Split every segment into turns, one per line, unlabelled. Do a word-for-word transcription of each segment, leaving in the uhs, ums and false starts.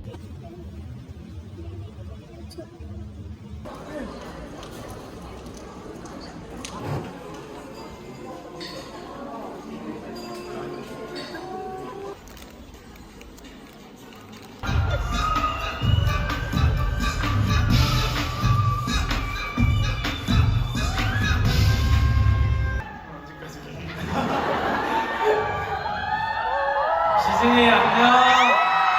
지진이 안녕.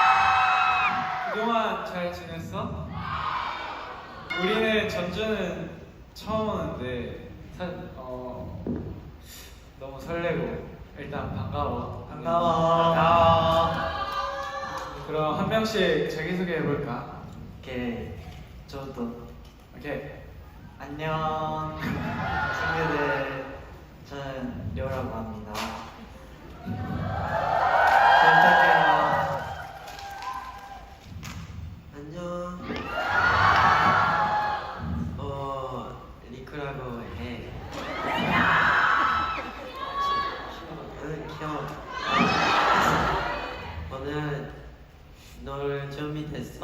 그동안 잘 지냈어? 우리는 전주는 처음 오는데 사, 어, 너무 설레고 일단 반가워.
반가워.
반가워. 그럼 한 명씩 자기소개 해볼까?
오케이. 저도.
오케이.
안녕. 친구들. 저는 료라고 합니다. 잘 부탁해요. 안녕. 어, 리크라고 해. 응, 귀여워. 오늘 널 준비됐어?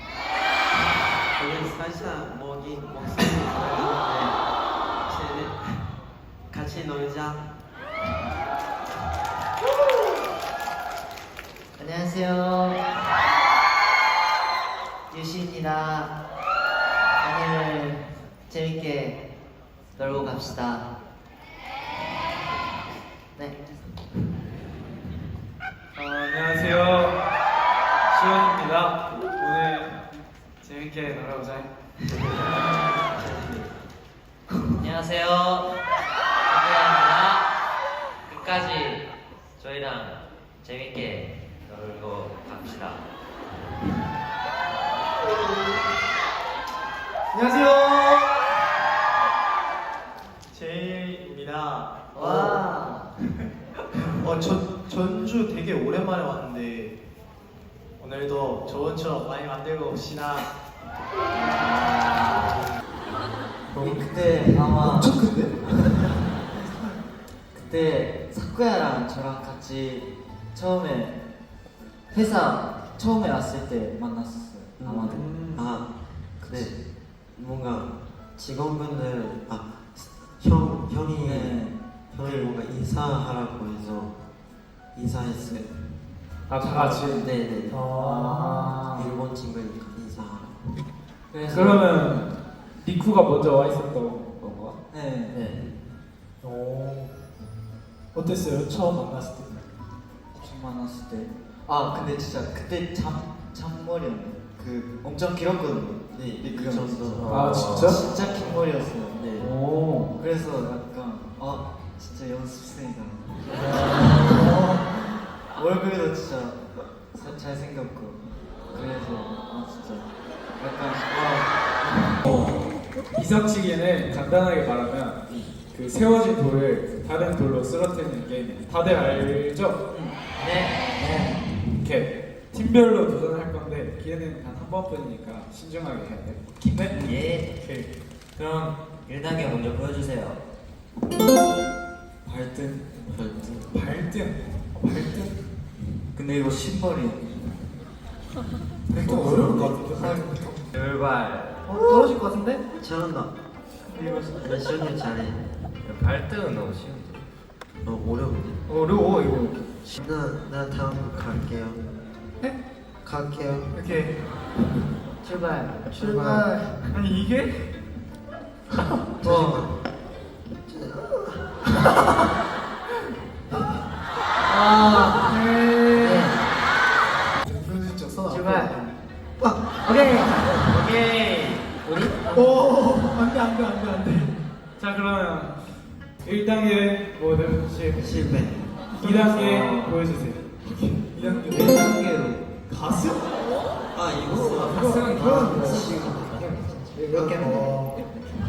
우리 살짝 목이 목소리 들리는데 같이 놀자.
안녕하세요. 유시입니다. 오늘 재밌게 놀고 갑시다. 네.
어, 안녕하세요. 시원입니다. 오늘 재밌게 놀아보자.
안녕하세요. 박대현입니다. 끝까지 저희랑 재밌게 놀고 갑시다.
안녕하세요. 제이입니다.
와.
어, 전, 전주 되게 오랜만에 왔는데 오늘도 좋은 추억 많이 만들고 옵시다.
우리 그때 아마
엄청 큰데?
그때 사쿠야랑 저랑 같이 처음에 회사 처음에 왔을 때 만났었어요. 아마도.
음.
아, 근데 뭔가 직원분들 아, 형, 형이
네.
형이 뭔가 인사하라고 해서 인사했어요.
아, 다 같이?
네네.
아.
일본 친구니까 인사하라고.
그래서
그러면 리쿠가 먼저 와 있었던 건가?
네.
네.
오, 어땠어요? 처음 만났을 때?
처음 만났을 때. 아 근데 진짜 그때 잠 잔머리였네. 그 엄청 길었거든요.
네,
리크
그
형
정도.
아, 진짜?
진짜 긴 머리였어요.
네.
오.
그래서 약간 아 진짜 연습생이다. 얼굴도 진짜 사- 잘생겼고 그래서 아 진짜 약간 와.
이석치기는 간단하게 말하면 그 세워진 돌을 다른 돌로 쓰러뜨리는 게임이에요. 다들 알죠?
네.
이렇게 팀별로 도전할 건데 기회는 단 한 번뿐이니까 신중하게 해야 돼. 네?
예.
오케이.
그럼 일 단계 먼저 보여주세요.
발등.
발등.
발등. 발등.
근데 이거 신발이
발등 어려울 것 같은데.
열발.
어, 떨어질 것 같은데?
잘한다. 나 시원이 잘해.
발등은 너무 쉬운데.
어, 어려운데.
어려워 이거.
나, 나 다음 갈게요.
네?
갈게요.
이렇게
출발.
출발. 아니 이게?
어.
아, 네.
네.
출발.
오케이. 오케이. 우리?
오, 안돼 안돼 안돼 안돼.
자 그러면 일 단계 모두 실.
실패.
이 단계 보여주세요. 이 단계.
일 단계로.
가수?
아, 이거.
가수는 그런 거.
몇 개는 돼?
어.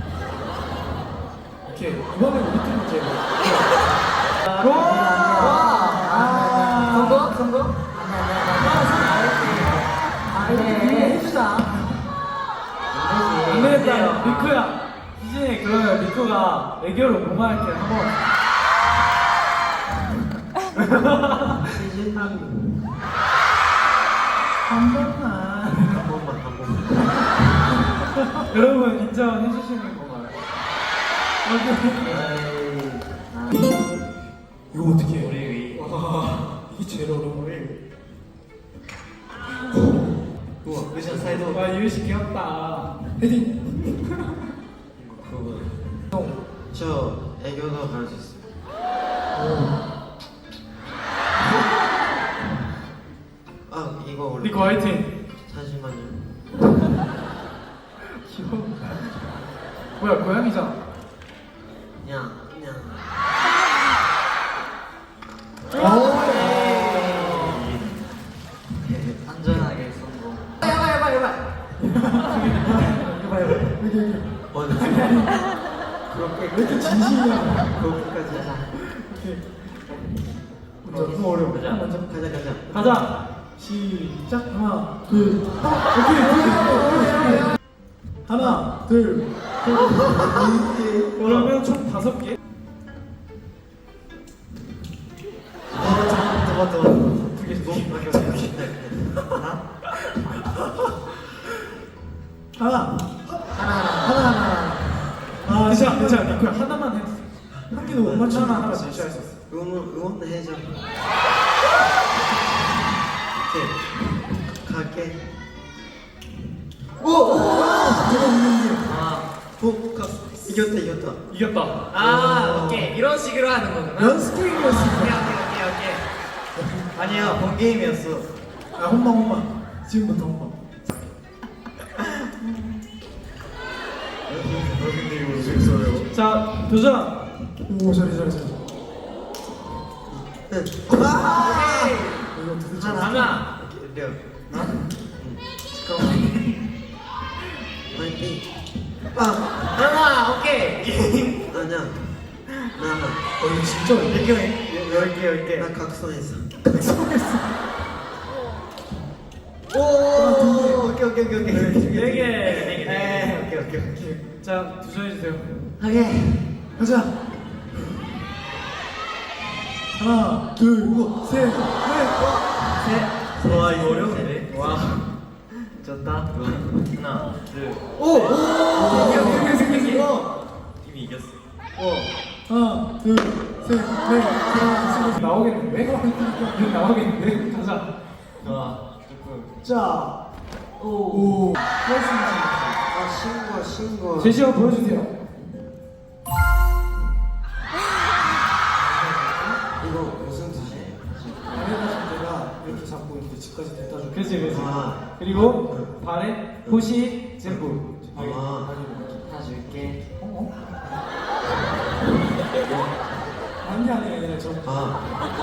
오케이 이번에 우리 팀 제일.
아, 성공? 성공?
아, 네. 해주자.
안 되겠다. 리쿠야. 희진이 그러면 리쿠가 애교로 뭐만 할게 한번.
한 번만.
여러분 인정해 주시는 건가요?
이거 어떻게 해?
우리
와, 이게 제일 어려운 거예요.
우와 의자 사이도
와 유희 씨 귀엽다.
헤딩.
그거.
형.
저 애교도 가르쳤어요. 아 이거 원래.
리코 화이팅.
잠시만요.
귀여워. 뭐야 고양이잖아.
그냥 그냥.
안전하게 성공.
먼저.
그렇게 왜 이렇게 진심이야?
그거까지 하자.
먼저 너무 어려워.
가자.
먼저
가자 가자.
가자.
시작. 하나, 둘, 아, 오케이, 오케이. 하나, 둘,
그러면 총 다섯 개.
아, 잠깐만, 잠깐만. 두 개, 두 개. 하나, 하나, 하나, 하나. 아,
괜찮아 괜찮아 리코야 하나만 해.
한 개도 못 맞추면
하나
하나
하나
진짜
진짜
했어.
했었어.
응원 응원 해줘. 오케이. 갈게. 오! 오!
아,
오! 가. 이겼다 이겼다.
이겼다.
아 오케이 이런 식으로 하는 거구나.
연습 게임이었어.
오케이 오케이 오케이 오케이. 아니야 본 게임이었어.
아, 혼방, 혼방. 지금부터 혼방.
근데 이거 재밌어요.
자 도전.
오, 잘해, 잘해, 잘해.
오케이.
이거 도대체
하나 하나.
려.
잠깐만.
파이팅. 아
하나 오케이.
아니야. 나
어, 이거 진짜 어려워.
이렇게 해. 열개 열개.
나 각성했어.
오 오케이 오케이 오케이 오케이.
네 개.
네 개. 네. 오케이 오케이 오케이.
자 도전해 주세요.
오케이.
가자. 하나, 둘, 셋, 넷.
셋. 와 이거 어려운데. 와. 졌다. 하나 둘.
오! 오!
오케이,
생겼어,
오케이,
생겼어.
이미 이겼어.
하나, 둘, 셋, 넷, 다섯,
나오겠는데? 이거 나오겠는데? 가자.
와 조금.
자,
오.
오.
아 신고 신고.
제시어 보여주세요.
이거 무슨 뜻이에요?
아래가신 데가 이렇게 잡고 이제 집까지 데려다 줘.
그렇지 그렇지.
아.
그리고 발에 호시 젠부.
아.
하나 줄게.
어? 아니 아니 아니 저
아.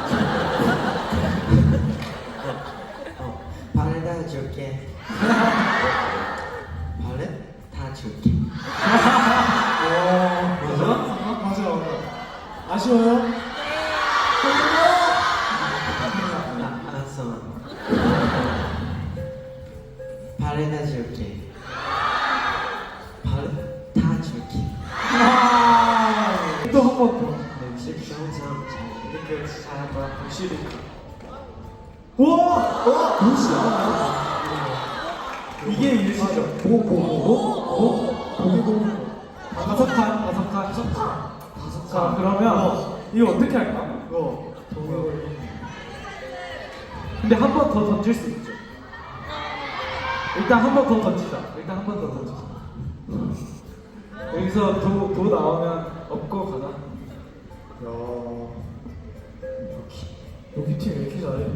어, 발에 다 줄게. 발에 다 줄게.
어,
맞아?
맞아 맞아. 아쉬워요?
아, 알았어. 발에 다 줄게. 발에 다 줄게.
또 한 번 더.
역시 평상 잘.
이렇게 잘한다.
확실히. 와! 와! 무시야. 이게 일시죠. 보고 보고 보고 보고 보고.
다섯 칸 다섯 칸.
다섯 칸.
자 그러면 이거 어떻게 할까?
이거 보고.
근데 한 번 더 던질 수 있죠. 일단 한 번 더 던지자. 일단 한 번 더 던지자. 여기서 도, 도 나오면 업고 가자.
야. 여기 팀 왜 이렇게 잘해?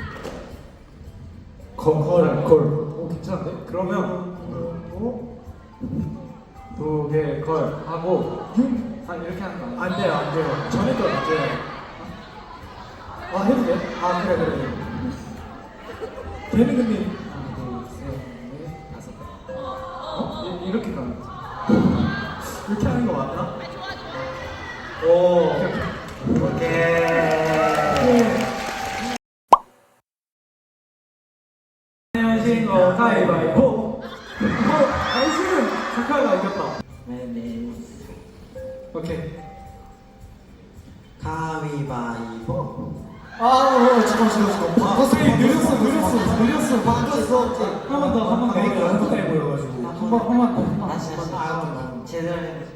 걸, 걸. 오 괜찮은데? 그러면
어?
도개 걸 하고
육?
아 이렇게 하는 거 아니야?
안 돼요, 안 돼요. 전에 거 안 돼요. 아, 해도 돼? 아, 그래, 그래, 그래. 되는 근데.
하나, 둘, 셋, 넷, 다섯. 어? 이- 이렇게 가는 거지.
이렇게 하는 거 맞나?
오.
오케이.
오케이.
안녕하신 거 가위바위보. 어, 당신은 카카가 이겼다.
네네.
오케이.
가위바위보.
아, 어, 잠깐, 잠깐, 잠깐. 바꿨어,
늦었어, 늦었어, 늦었어.
바꿨어.
한 번 더, 한 번 더.
내가 연습해 보여가지고.
한 번
한번 한번 한번
다시 다시
아,
제대로 해.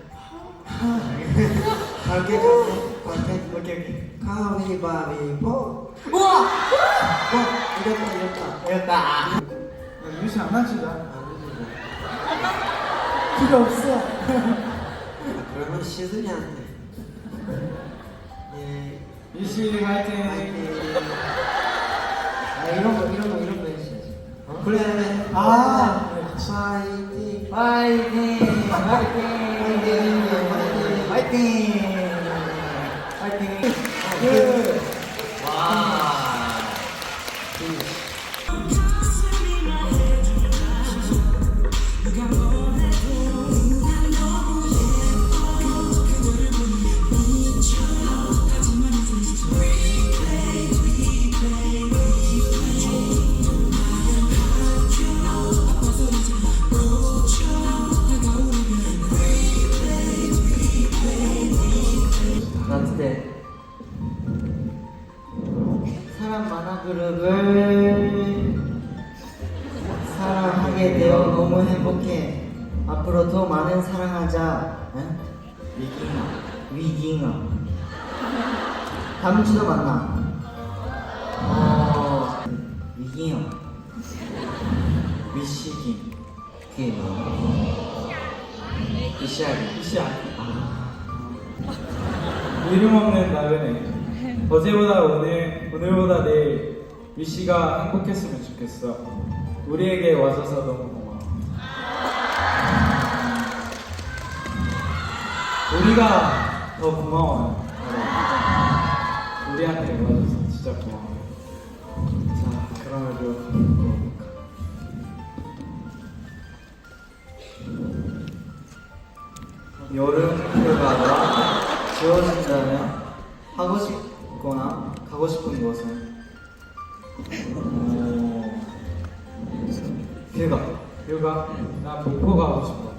갈게 갈게 갈게 오케이 오케이 가위바위보. 우와 와 이겼다 이겼다
이겼다.
유시 안 하지 나
안
필요 없어.
그러면 시즌이한테 예
유시 화이팅.
아 이런 거 이런 거 이런 거 해주셔야지.
어? 그래
아
파이팅
파이팅! 파이팅! 파이팅! 파이팅!
그
와. 나한테 사람 만화 그룹을 사랑하게 되어 너무 행복해. 앞으로 더 많은 사랑하자. 응? 위깅아, 위깅아. 다음 주도 만나. 어, 위깅아, 위시깅, 그게 뭐야? 위시아기, 위시아기. 아.
이름 없는 나연에 어제보다 오늘, 오늘보다 내일 위시가 행복했으면 좋겠어. 우리에게 와줘서 너무 고마워. 우리가 더 고마워요. 여러분. 우리한테 와줘서 진짜 고마워요. 자, 그러면
여름 휴가가 지워진다면 하고 싶거나 가고 싶은 곳은 어... 휴가.
휴가? 나 목포 가고 싶어.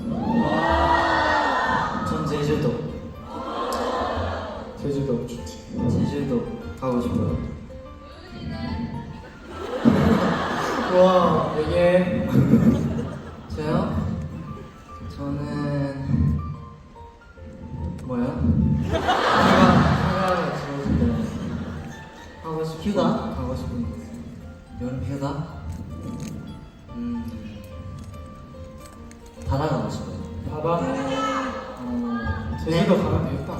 전 제주도.
제주도 좋지.
제주도 가고 싶어요. 와
이게
저요? 저는 뭐요? 휴가 휴가가 지워진다면 하고 싶 휴가 가고 싶은 곳. 여름 휴가? 음 바다 가고 싶어요.
바다?
어,
제주도
네.
가면 되겠다.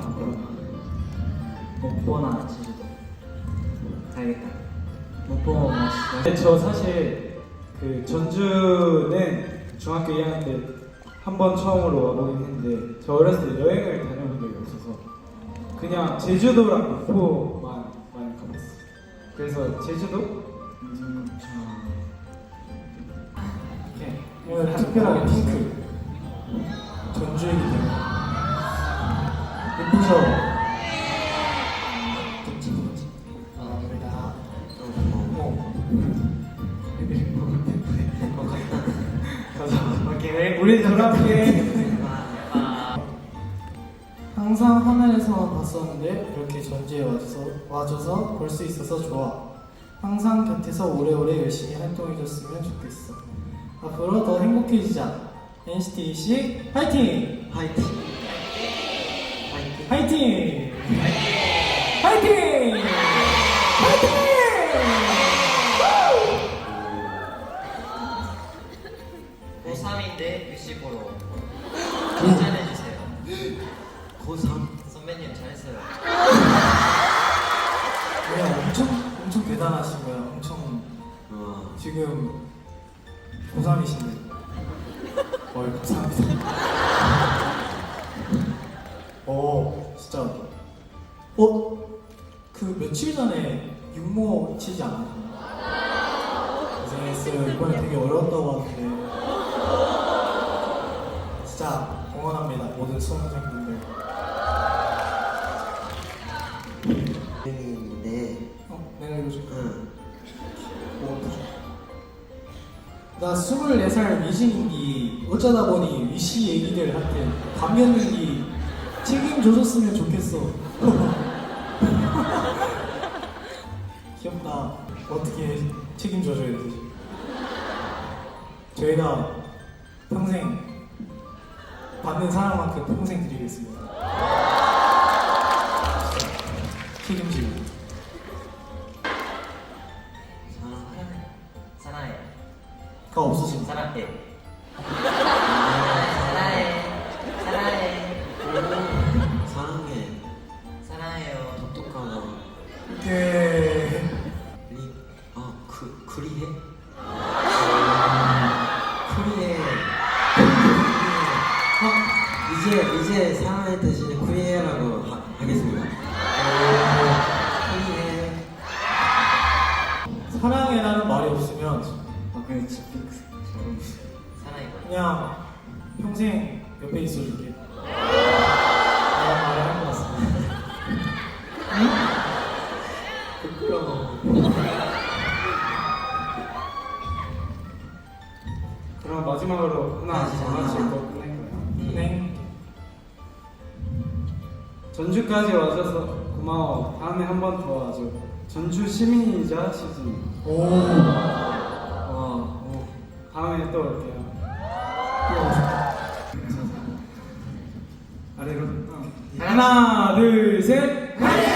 목포나 제주도 가야겠다. 목포 맛있어.
근데 저 사실 그 전주는 중학교 이 학년 때 한 번 처음으로 와보긴 했는데 저 어렸을 때 여행을 다녀본 적이 없어서 그냥 제주도랑 목포만 많이 가봤어요. 그래서 제주도?
음,
이렇게
오늘 특별하게 핑크 전주이기 때문에 예쁘죠?
그치 그치.
아 우리가
오케이 우리 돌아올게.
항상 화면에서만 봤었는데 이렇게 전주에 와줘서, 와줘서 볼 수 있어서 좋아. 항상 곁에서 오래오래 열심히 활동해줬으면 좋겠어. 앞으로 더 행복해지자. 엔시티 씨 파이팅!
파이팅 파이팅
파이팅! 파이팅! 파이팅!
고삼인데 유시 보러 칭찬해주세요.
고삼
선배님 잘했어요.
네, 엄청 엄청 대단하신 거야. 엄청
어
지금 고삼이신데. 어, 감사합니다. 어, 진짜. 어, 그 며칠 전에 육모 치지 않았나요? 고생했어요. 이번에 되게 어려웠다고 하는데. 진짜 응원합니다. 모든 수험생분들.
네
어, 내가 읽어줄게.
응.
나 스물네 살 위신인기 어쩌다 보니 위시 얘기들 할때 감명인기 책임져줬으면 좋겠어. 귀엽다. 어떻게 책임져줘야 되지? 저희가 평생 받는 사랑만큼 평생 드리겠습니다. 책임지고.
사랑해.
사랑해.
가 없어진 거.
사랑해. 사랑해. 사랑해.
사랑해.
사랑해요.
똑똑하다.
네.
리, 아, 그, 그리해? 쿠리해. 어, 이제, 이제 사랑해 대신에 쿠리해라고 하, 하겠습니다. 쿠리해.
사랑해라는 말이 없으면
아 근데 진짜 사랑해.
그냥 평생 옆에 있어줄게. 라는 말을 할 것 같습니다.
부끄러워.
그럼 마지막으로 하나
네.
하나씩 더 끝낼까요?
네.
전주까지 와줘서 고마워. 다음에 한 번 더 와줘. 전주 시민이자 시즌.
오.
어, 오. 다음에 또 올게요. 아래로. 어. 하나, 둘, 셋.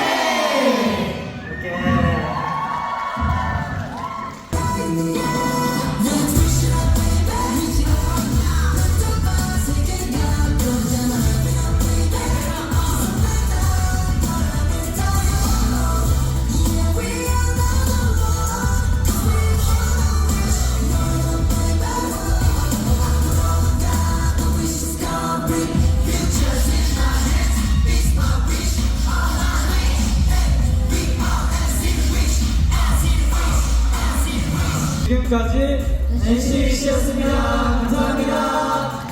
지금까지 엔씨씨였습니다. 감사합니다.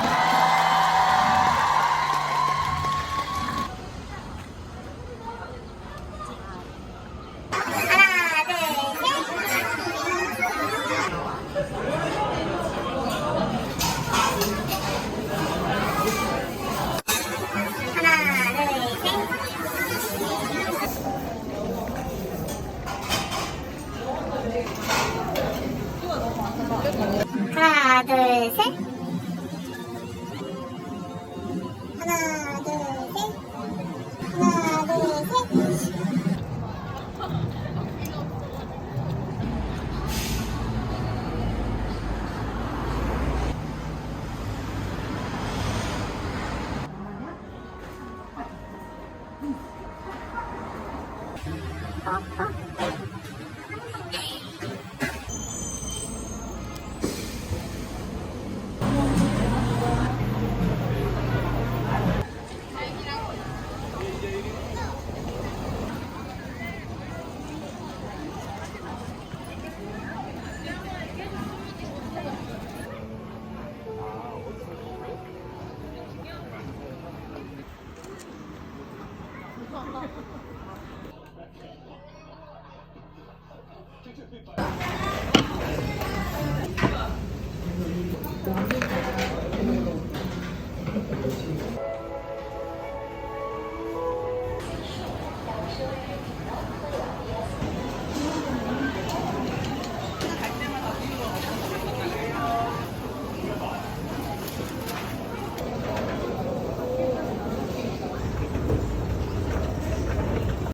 하나, 둘, 셋. 하나, 둘, 셋. 하나, 둘, 셋.
네.